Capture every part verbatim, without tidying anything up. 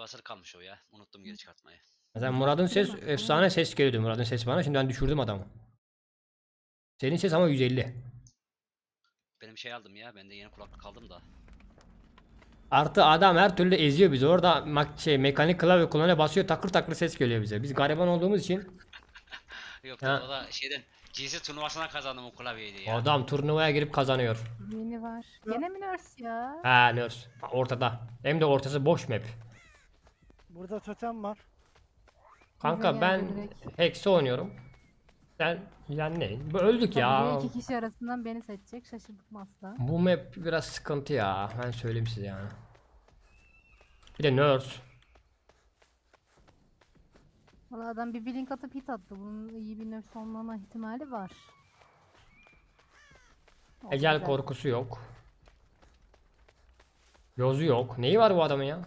basılı kalmış o ya. Unuttum geri çıkartmayı. Mesela Murat'ın ses Bilemem. efsane ses geliyordu, Murat'ın sesi bana. Şimdi ben düşürdüm adamı. Senin ses ama yüz elli. Benim şey aldım ya. Ben de yeni kulaklık aldım da. Artı adam her türlü eziyor bizi. Orada mak şey mekanik klavye kullanıyor, basıyor, takır takır ses geliyor bize. Biz gariban olduğumuz için Yok ha, da o da şeyden G C turnuvasına kazandım o klavyeydi ya. adam turnuvaya girip kazanıyor. Yeni var. Gene mi nurse ya? Ha nurse. Ortada. Hem de ortası boş map. Burada totem var. Kanka Bize ben geldi direkt. Hex'i oynuyorum. Sen yani ne? Bu öldük ya. Ya. iki kişi arasından beni seçecek. Şaşırdık mı asla? Bu map biraz sıkıntı ya. Ben söyleyeyim size yani. Bir de nurse. Valla adam bir blink atıp hit attı. Bunun iyi bir nurse olmama ihtimali var. O Ecel güzel. korkusu yok. Yozu yok. Neyi var bu adamın ya?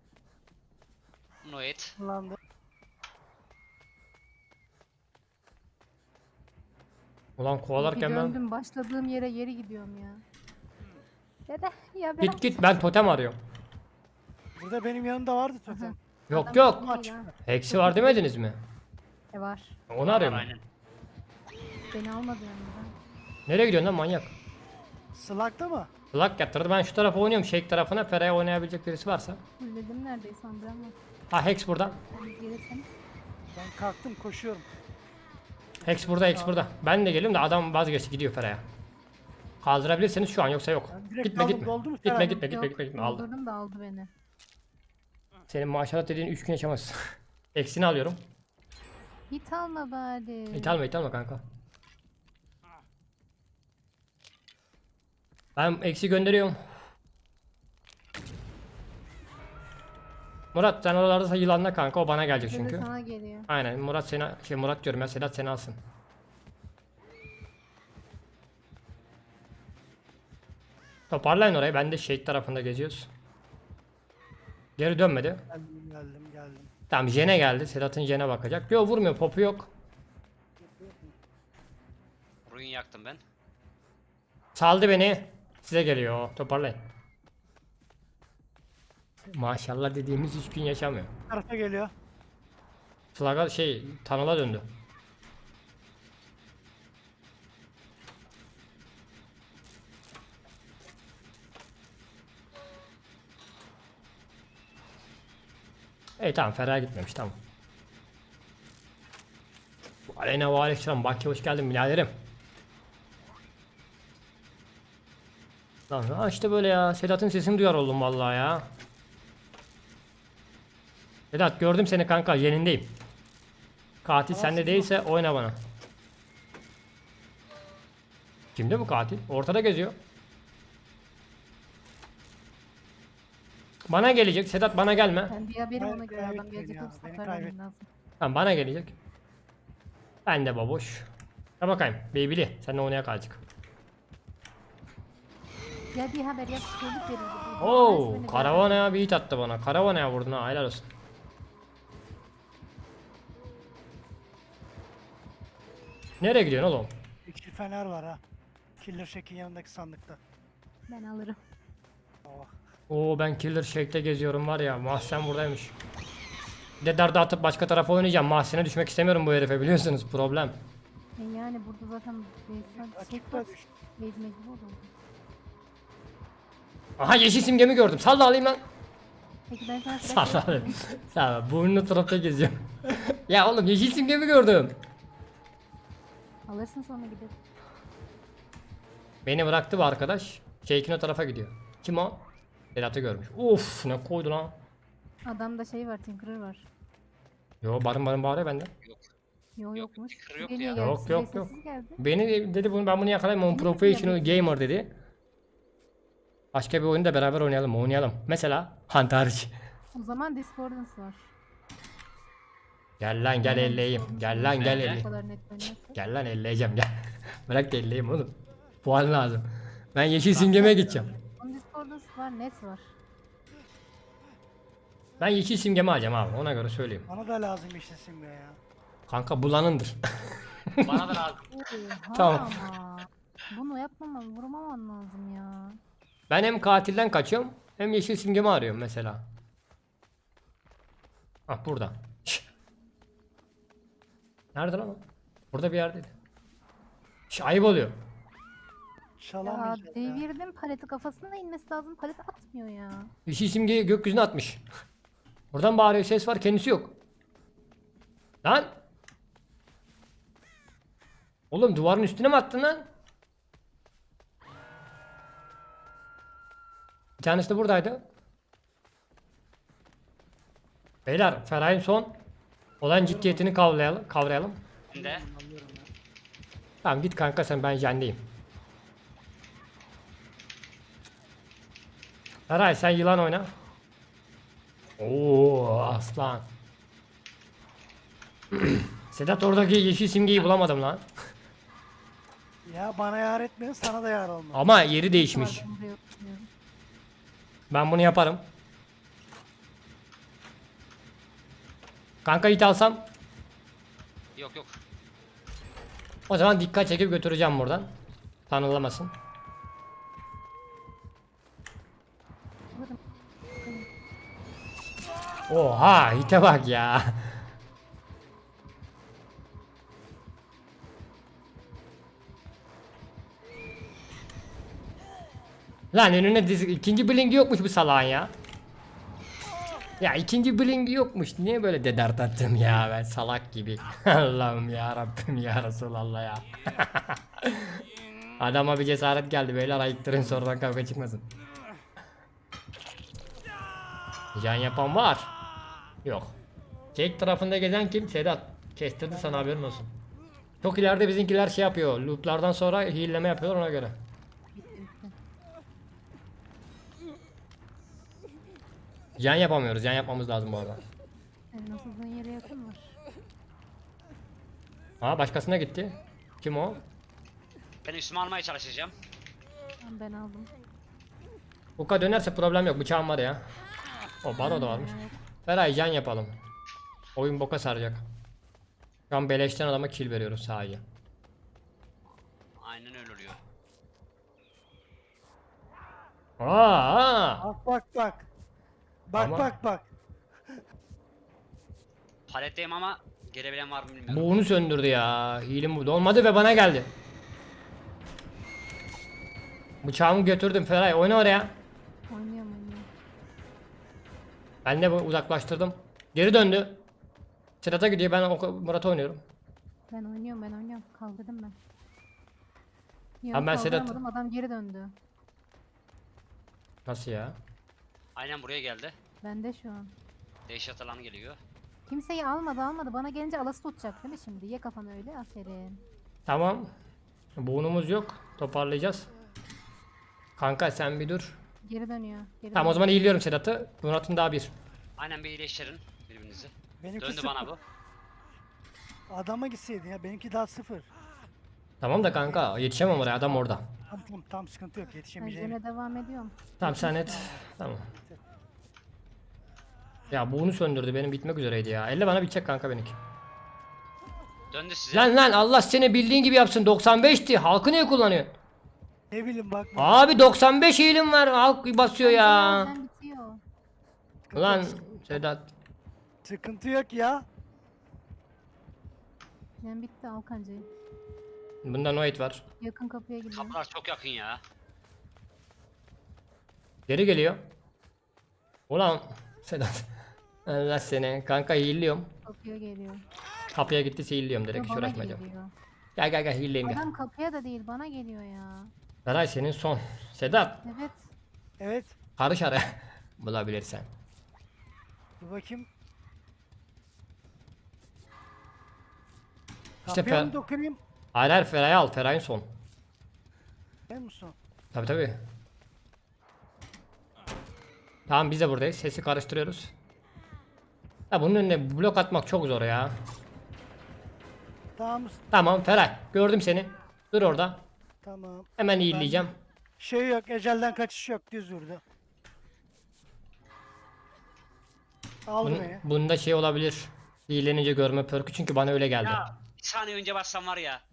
Noet. Kullandı. Ulan Bir kovalarken ben... döndüm başladığım yere geri gidiyorum ya. Dede ya ben. Git git, ben totem arıyorum. Burada benim yanımda vardı totem. Yok Adam yok. çok iyi lan. Hex'i var demediniz mi? E var. Onu arıyorum. Aynen. Beni almadı yanımdan. Nereye gidiyorsun lan manyak? Slug'da mı? Lock yatırdı. Ben şu tarafa oynuyorum. Shake tarafına. Feraya oynayabilecek birisi varsa. Fulledim neredeyse Andra ama. Ha Hex burada. Siz gelirseniz. Ben kalktım koşuyorum. Hex burada, Hex burada. Ben de geliyorum da adam vazgeçti, gidiyor Feraya. Kaldırabilirseniz şu an, yoksa yok. Ben direkt Gitme aldım, gitme. doldu mu Gitme Feraya? gitme gitme Yok, gitme gitme. Aldım. doldurdum da aldı beni. Senin maşallah dediğin üç gün yaşamaz. Eksini alıyorum. Hit alma bari. İthalme ithalme kanka. Ben eksi gönderiyorum. Murat sen oralarda yılanla kanka, o bana gelecek Şimdi çünkü. sana geliyor. Aynen, Murat seni şey Murat diyorum ya, Sedat seni alsın. Toparlayın orayı, ben de Shake tarafında geziyoruz. Geri dönmedi. Geldim geldim geldim. Tamam, Jene geldi. Sedat'ın Jene bakacak. Yok, vurmuyor, popu yok. Ruin yaktım ben. Saldı beni. Size geliyor. Toparlayın. Maşallah dediğimiz üç gün yaşamıyor. Bu tarafa geliyor. Flag'a şey Tanıl'a döndü. İyi tamam, Ferah gitmemiş, tamam. Aleyna ve aleykümselam. Baki hoş geldin biraderim. Lan ha işte böyle ya. Sedat'ın sesini duyar oldum vallahi ya. Sedat gördüm seni kanka, yenindeyim. Katil sende değilse oyna bana. Kimde bu katil? Ortada geziyor. Bana gelecek. Sedat bana gelme. Ben bir haberim Hayır, ona göre adam kaybettin gelecek ya, olursa beni söylemem kaybettin. lazım. Tamam, bana gelecek. Ben de baboş. Ya bakayım. Beybili. Seninle oynaya kalacak. Ya bir haber yap çocuk verildi. Bu- bu Oo, resmini bir Karavana'ya bir hit attı bana. Karavana'ya vurdun ha, helal olsun. Nereye gidiyorsun oğlum? İkili fener var ha. Killer Shack'in yanındaki sandıkta. haber- Ben alırım. Oh. Oo, ben Killer Shake'te geziyorum var ya. Mahsen buradaymış. Bir de darda atıp başka tarafa oynayacağım. Mahsene düşmek istemiyorum bu herife, biliyorsunuz, problem. E yani burada zaten Beyz'den şey Açıkta var. düş. Beyz mecbur oldu. Aha, yeşil simgemi gördüm. Salla alayım lan. Peki ben sana Salla flash alayım. Salla, burnunu tarafta geziyorum. Ya oğlum, yeşil simgemi gördüm. alırsın sonra gidip. Beni bıraktı bu arkadaş. Shake'in o tarafa gidiyor. Kim o? Sedat'ı görmüş. Uf, ne koydu lan. Adamda şey var, Tinkerer var. Yo, barın barın bağırıyor bende. Yo Yok, yokmuş. Tinkerer yok Bir niye ya. geldi? Yok, Size yok, yok. sessiz geldi. Beni dedi, bunu ben bunu yakalayayım. On Ne professional yapıyor? gamer dedi. Başka bir oyunu da beraber oynayalım, oynayalım. Mesela Hunt hariç. O zaman Discordance var. Gel lan gel Hemen elleyeyim. Discordance Gel var. lan gel Bu elleyeyim. kadar net oynarsa. Gel lan elleyeceğim gel. Bırak da elleyeyim oğlum. Puan lazım. Ben yeşil simgeme gideceğim. Onun Discordance var, net var. Ben yeşil simgemi alacağım abi, ona göre söyleyeyim. Bana da lazım işte simge ya. Kanka bulanındır. Bana da lazım. Oha Tamam. ama. Bunu yapmamam, vurmaman lazım ya. Ben hem katilden kaçıyorum hem yeşil simgemi arıyorum mesela. Ah burada. Şş. Nerede lan o? Burada bir yerdeydi. Şş, ayıp oluyor. Ya Çalamayacağız ya. devirdim paleti, kafasına inmesi lazım, palet atmıyor ya. Yeşil simgeyi gökyüzüne atmış. Buradan bağırıyor, ses var, kendisi yok. Lan! Oğlum duvarın üstüne mi attın lan? Bir tanesi de buradaydı. Beyler, Feray'ın son olan ciddiyetini kavrayalım. kavrayalım. Ben de. Alıyorum ya. Tamam git kanka sen, ben jendeyim. Feray sen yılan oyna. Oo aslan. Sedat oradaki yeşil simgeyi bulamadım lan. Ya bana yar etmeyin, sana da yar olmaz. Ama yeri değişmiş. Pardon, buraya oturuyorum. Ben bunu yaparım. Kanka it alsam. Yok yok. O zaman dikkat çekip götüreceğim buradan. Tanılamasın. Oha hite bak ya. Lan önüne dizi ikinci blink yokmuş bu salağın ya. Ya ikinci blink yokmuş. Niye böyle dedert attım ya ben salak gibi. Allah'ım ya Rabbim ya Resulallah ya. Adama bir cesaret geldi beyler, ayıktırın sonradan kavga çıkmasın. Can yapan var. Yok. Çek tarafında gezen kim? Sedat. Kestirdi sana, haberin olsun. Çok ileride bizimkiler şey yapıyor. Looplardan sonra hilleme yapıyor ona göre. Bitti bitti. Can yapamıyoruz. Can yapmamız lazım bu arada. Senin asıldığın yere yakın var. Ha başkasına gitti. Kim o? Ben üstüme almaya çalışacağım. Tamam, ben aldım. Uka dönerse problem yok. Bıçağım var ya. O baro da varmış. Evet. Feray can yapalım. Oyun boka saracak. Şu an beleşten adama kill veriyoruz sadece. Aynen öyle oluyor. Aa! Bak bak bak. Bak Ama- bak bak. Paletteyim ama gelebilen var mı bilmiyorum. Bu onu söndürdü ya. Hilim bu. Olmadı ve bana geldi. Bıçağımı götürdüm Feray. Oyna oraya. Oynuyorum oynuyorum. Ben de bu uzaklaştırdım. Geri döndü. Sedat'a gidiyor. Ben o- Murat'a oynuyorum. Ben oynuyorum ben oynuyorum. Kaldırdım ben. Yok, Abi ben Sedat- kaldıramadım, adam geri döndü. Nasıl ya? Aynen buraya geldi. Bende şu an. Dehşet alanı geliyor. Kimseyi almadı almadı. Bana gelince alası tutacak değil mi şimdi? Ye kafanı öyle. Aferin. Tamam. Buğunumuz yok. Toparlayacağız. Kanka sen bir dur. Geri dönüyor. Geri Tamam o dönüyor. zaman iyiliyorum Sedat'ı. Murat'ın daha bir. Aynen bir iyileştirin birbirinizi. Benimki Döndü sıfır. bana bu. Adama gitseydin ya, benimki daha sıfır. Tamam da kanka yetişemem oraya, adam orada. Tam tam, tam sıkıntı yok, Ben yetişemeyeceğim. gene devam ediyorum. Tamam sen et. Tamam. Ya buğunu söndürdü, benim bitmek üzereydi ya. Elle bana bitecek kanka benimki. Döndü size. Lan lan Allah seni bildiğin gibi yapsın, doksan beşti. Halkı niye kullanıyor? Ne bileyim bak. Abi doksan beş eğilim var, halk basıyor ya. Ben bitiyor. Ulan Sedat. Sıkıntı yok ya. Ben bitti, al kancayı. Bunda no hit var. Yakın kapıya gidiyor. Kapılar çok yakın ya. Geri geliyor. Ulan Sedat. Allah seni. Kanka heal'liyorum. Kapıya geliyor. Kapıya gittiyse heal'liyorum direkt, hiç Bana uğraşmayacağım. geliyor. Gel gel gel heal'leyim gel. Adam kapıya da değil bana geliyor ya. Beray senin son. Sedat. Evet. Evet. Karış araya. Bulabilirsen. Dur bakayım. İşte Kapıya Fer- mı dokunayım? Hayır hayır Feray'ı al. Feray'ın son. Ben musun? Tabi tabi. Tamam biz de buradayız. Sesi karıştırıyoruz. Ya bunun önüne blok atmak çok zor ya. Tamam. Tamam Feray. Gördüm seni. Dur orada. Tamam. Hemen iyileyeceğim. Şey yok, ecelden kaçış yok, düz vurdu. Aldı Bunun, beni. bunda şey olabilir. İyilenince görme perkü, çünkü bana öyle geldi. Ya bir saniye önce bassam var ya.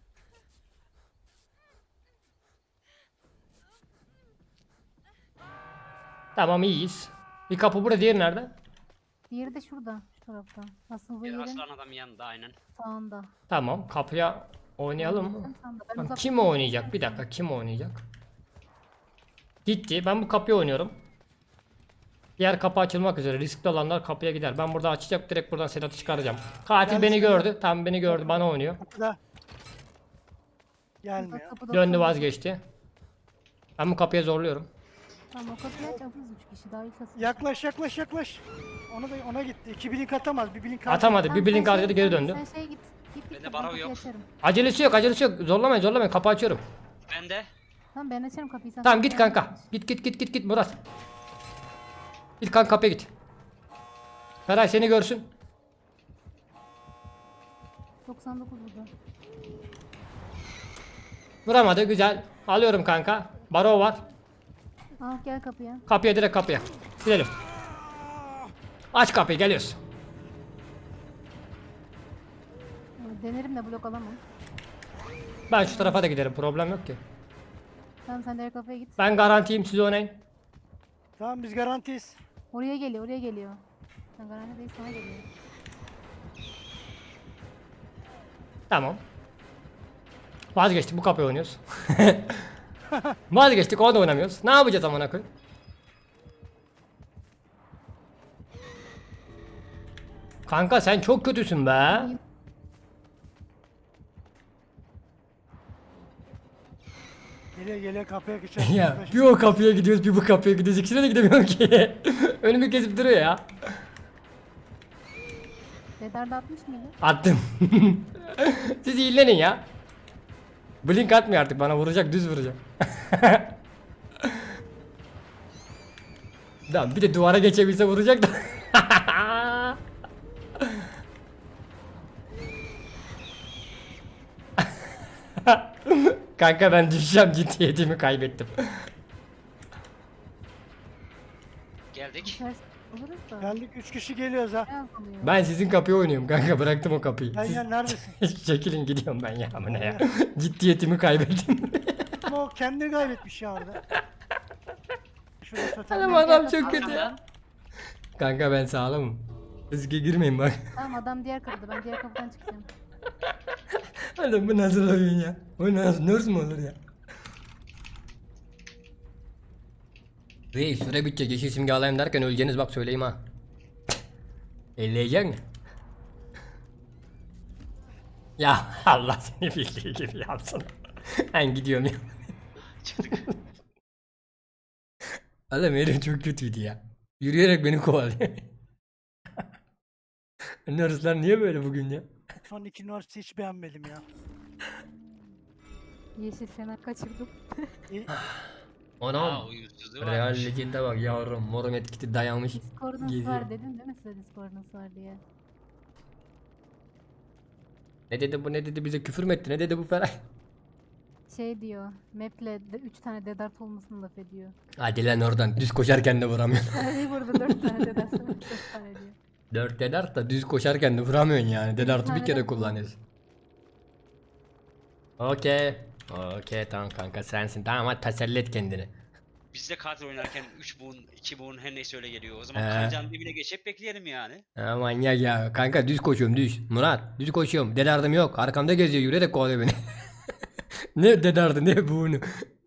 Tamam iyiyiz. Bir kapı burada, diğeri nerede? Diğeri de şurada. Şu tarafta. Asıldığı Bir yerin aslan adam yanında aynen. sağında. Tamam, kapıya oynayalım mı? Tam sağında. Ben Tamam, uzak kim tutayım. oynayacak? Bir dakika, kim oynayacak? Gitti. Ben bu kapıyı oynuyorum. Diğer kapı açılmak üzere. Riskli olanlar kapıya gider. Ben burada açacak, direkt buradan Sedat'ı çıkaracağım. Katil Gel beni sen gördü. Tam beni gördü, bana oynuyor. Kapıda. Uzak Gelmiyor. kapıda Döndü, oturuyor. vazgeçti. Ben bu kapıya zorluyorum. Tamam, o kapıyı aç, alırız üç kişi daha ilk asıl. Yaklaş yaklaş yaklaş. Ona da ona gitti. İki blink atamaz. Bir blink Atamadı. Tamam, Bir blink sen harcadı, şey- geri sen- döndü. Sen şeye git. Git git. Bende ben barov kapıyı yok. açarım. Acelesi yok, acelesi yok. Zorlamayın, zorlamayın. Kapı açıyorum. Ben de. Tamam, ben açarım kapıyı. Sen Tamam, kapıyı git kanka. aç. Git git git git git Murat. Git kanka, kapıya git. Feray seni görsün. doksan dokuz burada. Vuramadı, güzel. Alıyorum kanka. Baro var. Al gel kapıya. Kapıya, direkt kapıya. Gidelim. Aç kapıyı, geliyoruz. Denerim de blok alamam. Ben şu tarafa da giderim, problem yok ki. Tamam, sen diğer kapıya git. Ben garantiyim, siz oynayın. Tamam biz garantiyiz. Oraya geliyor, oraya geliyor. Sen garanti değil, sana geliyor. Tamam. Vazgeçtik, bu kapıyı oynuyoruz. Vazgeçtik, onu da oynamıyoruz. Ne yapacağız amına koyayım? Kanka sen çok kötüsün be. Geliyor geliyor kapıya geçer. Ya bir o kapıya gidiyoruz, bir bu kapıya gidiyoruz. İkisine de gidemiyorum ki. Önümü kesip duruyor ya. Dedar da atmış mıydı? Attım. Siz iyilenin ya. Blink atmıyor artık, bana vuracak, düz vuracak. Tamam, bir de duvara geçebilse vuracak da. Kanka ben düşeceğim, ciddiyetimi kaybettim. Geldik. Düşer oluruz da. Geldik üç kişi geliyoruz ha. Ne yapılıyor? Ben sizin kapıyı oynuyorum kanka, bıraktım o kapıyı. Gel Siz gel neredesin? çekilin, gidiyorum ben ya, amına ya. Ciddiyetimi kaybettim. Ama o kendini kaybetmiş ya orada. Şurada totem. Adam adam çok Tamam, kötü ya. Kanka ben sağlamım. Riske girmeyin bak. Tamam, adam diğer kapıda. Ben diğer kapıdan çıkacağım. Adam bu nasıl oyun ya? Bu nasıl nurse mu olur ya? Reis süre bitecek, yeşil simge alayım derken öleceğiniz, bak söyleyeyim ha. Elleyecek mi? Ya Allah seni bildiği gibi yapsın. Ben gidiyorum ya. Çıktık. Oğlum herif çok kötüydü ya. Yürüyerek beni kovalıyor. Nurse'lar niye böyle bugün ya? Son iki üniversite hiç beğenmedim ya. Yeşil fener kaçırdım. İyi. Aa Anam. uyumsuzluğu Real varmış. Legend'e bak yavrum, morun etkisi dayanmış. Discord'unuz Geziyor. var dedim değil mi size Discord'unuz var diye. Ne dedi bu, ne dedi, bize küfür mü etti, ne dedi bu Feray? Şey diyor, map'le de üç tane dedart olmasını laf ediyor. Hadi lan oradan, düz koşarken de vuramıyor. Hani burada dört tane dedart var, dört tane diyor. Dört dedart da düz koşarken de vuramıyorsun yani. Dedartı bir tane kere de bu. kullanıyorsun. Okey. Okey tamam kanka, sensin. Tamam hadi teselli et kendini. Biz de katil oynarken üç buğun, iki buğun her neyse öyle geliyor. O zaman He. kancanın dibine geçip bekleyelim yani. Ha, manyak ya. Kanka düz koşuyorum, düz. Murat düz koşuyorum. Dedardım yok. Arkamda geziyor, yürüyerek kovalıyor beni. Ne dedardı ne bunu.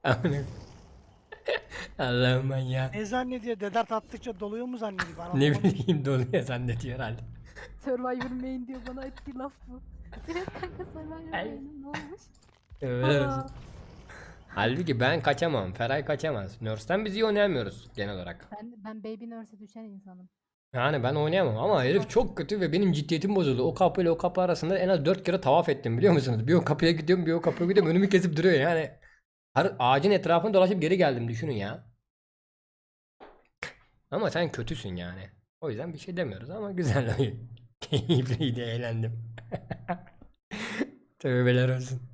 Allah'ım manyak. Ne zannediyor? Dedart attıkça doluyor mu zannediyor? Ben Ne anlamadım. bileyim, doluyor zannediyor herhalde. Survivor main diyor, bana ettiği laf bu. Evet kanka, Survivor Ay. main'im ne olmuş? Öyle Aa, olsun. Halbuki ben kaçamam. Feray kaçamaz. Nurse'den biz iyi oynayamıyoruz genel olarak. ben, ben Baby Nurse'e düşen insanım. Yani ben oynayamam ama herif çok kötü ve benim ciddiyetim bozuldu. O kapı ile o kapı arasında en az dört kere tavaf ettim, biliyor musunuz? Bir o kapıya gidiyorum, bir o kapıya gidiyorum, önümü kesip duruyor yani. Her ağacın etrafını dolaşıp geri geldim, düşünün ya. Ama sen kötüsün yani. O yüzden bir şey demiyoruz ama güzel oyun. Keyifliydi, eğlendim. Tövbeler olsun.